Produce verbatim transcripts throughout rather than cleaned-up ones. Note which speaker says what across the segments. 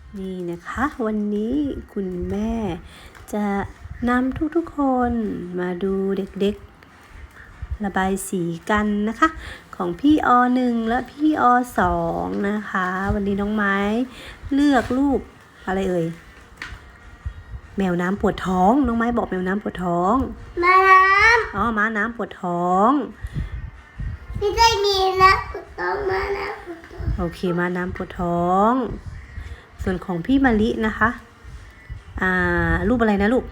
Speaker 1: นี่นะคะวันนี้คุณแม่จะนำทุกๆคนมาดูเด็กๆระบายสีกันนะคะของพี่อหนึ่งและพี่อสองนะคะวันนี้น้องไม้เลือกรูปอะไรเอ่ยแมวน้ำปวดท้องน้องไม้บอกแมวน้ำปวดท้อง
Speaker 2: ม้าน้ำ
Speaker 1: อ๋อม้าน้ำปวดท้อง
Speaker 2: ไม่ได้มีนะปวดท้องม้าน้ำปวดท้อง
Speaker 1: โอเคม้าน้ำปวดท้องส่วนของพี่มะลินะคะอ่ารูปอะไรนะลูก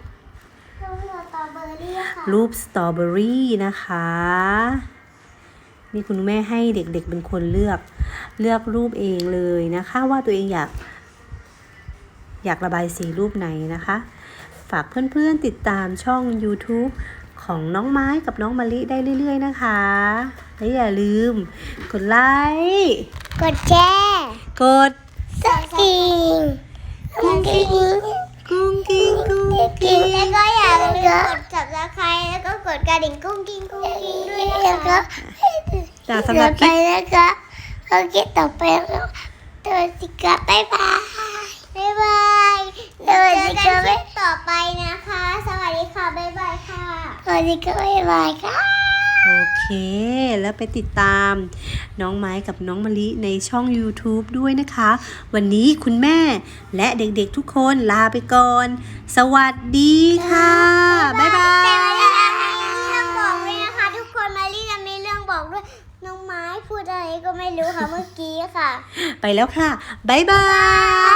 Speaker 1: รูปสตรอเบอรี่นะคะนี่คุณแม่ให้เด็กๆเป็นคนเลือกเลือกรูปเองเลยนะคะว่าตัวเองอยากอยากระบายสีรูปไหนนะคะฝากเพื่อนๆติดตามช่อง YouTube ของน้องไม้กับน้องมะลิได้เรื่อยๆนะคะและอย่าลืมกดไลค์
Speaker 2: กดแชร์
Speaker 1: กด
Speaker 2: สกิงกุ้งกิ้ง
Speaker 1: กุ้งกิ้งกุ้ง
Speaker 2: กิ้งแล้วก็อย่าลืมกด Subscribe แล้วก็กดกระดิ่งกุ้งกิ้งกุ้งกิ้งด้วยนะคะ
Speaker 1: จากสำหรับค
Speaker 2: ไป
Speaker 1: ลิป
Speaker 2: นะคะโอเคต่อไปแล้วตัวสิกะบ๊ายบายบ๊ายบายตัวสิกะต่อไปนะคะสวัสดีค่ะบ๊ายบายค่ะสวัสดีค่ะบ๊ายบายค่ะ
Speaker 1: โอเคแล้วไปติดตามน้องไม้กับน้องมะลิในช่อง YouTube ด้วยนะคะวันนี้คุณแม่และเด็กๆทุกคนลาไปก่อนสวัสดีค่ะบ๊ายบาย
Speaker 2: แต่มาลีมีเรื่องบอกด้วยนะคะทุกคนมาลีจะมีเรื่องบอกด้วยน้องไม้พูดอะไรก็ไม่รู้ค่ะเมื่อกี้ค่ะ
Speaker 1: ไปแล้วค่ะบ๊ายบาย